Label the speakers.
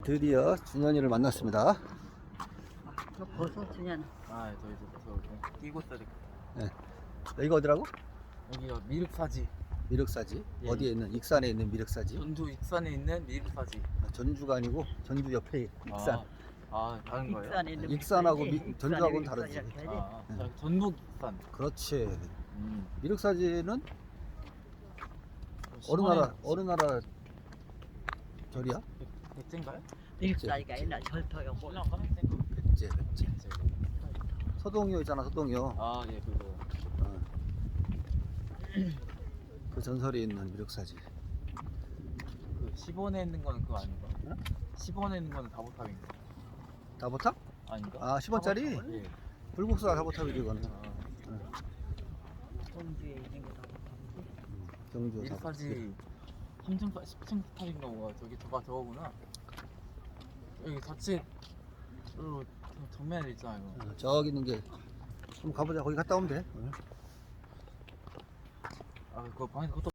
Speaker 1: 드디어 준현이를 만났습니다.
Speaker 2: 너 벌써 주냐?
Speaker 3: 아, 저 이제 벌써 뛰고 있어야 될 것 같아요.
Speaker 1: 네. 여기가 어디라고?
Speaker 3: 여기가 미륵사지.
Speaker 1: 미륵사지.
Speaker 3: 예.
Speaker 1: 어디에 있는? 익산에 있는 미륵사지.
Speaker 3: 전주 익산에 있는 미륵사지.
Speaker 1: 전주가 아니고 전주 옆에 익산.
Speaker 3: 다른 거예요?
Speaker 2: 익산에 있는
Speaker 1: 익산하고
Speaker 2: 익산에
Speaker 1: 전주하고는
Speaker 2: 익산
Speaker 1: 다르지.
Speaker 2: 이렇게 해야지.
Speaker 3: 저 전북 익산.
Speaker 1: 그렇지.
Speaker 3: 음.
Speaker 1: 미륵사지는 어느 나라 절이야?
Speaker 3: 백제인가요?
Speaker 2: 미륵사지가 옛날 절터였고
Speaker 3: 신랑가?
Speaker 1: 백제. 서동요 있잖아, 서동요.
Speaker 3: 아, 예, 그거.
Speaker 1: 어. 그 전설이 있는 미륵사지.
Speaker 3: 그 10원에 있는 거는 그거 아닌가?
Speaker 1: 응?
Speaker 3: 10원에 있는 거는 다보탑인가?
Speaker 1: 다보탑?
Speaker 3: 아닌가?
Speaker 1: 아, 10원짜리?
Speaker 3: 예.
Speaker 1: 불국사 다보탑이지 이거는.
Speaker 2: 전주에 있는 거다.
Speaker 1: 경주 다보탑.
Speaker 3: 미륵사지 3층, 10층 탑인가 뭐가 저거구나. 여기 자칫 정면에 있잖아요.
Speaker 1: 저기 있는 게 한번 가보자. 거기 갔다 오면 돼.
Speaker 3: 아, 그거 방에서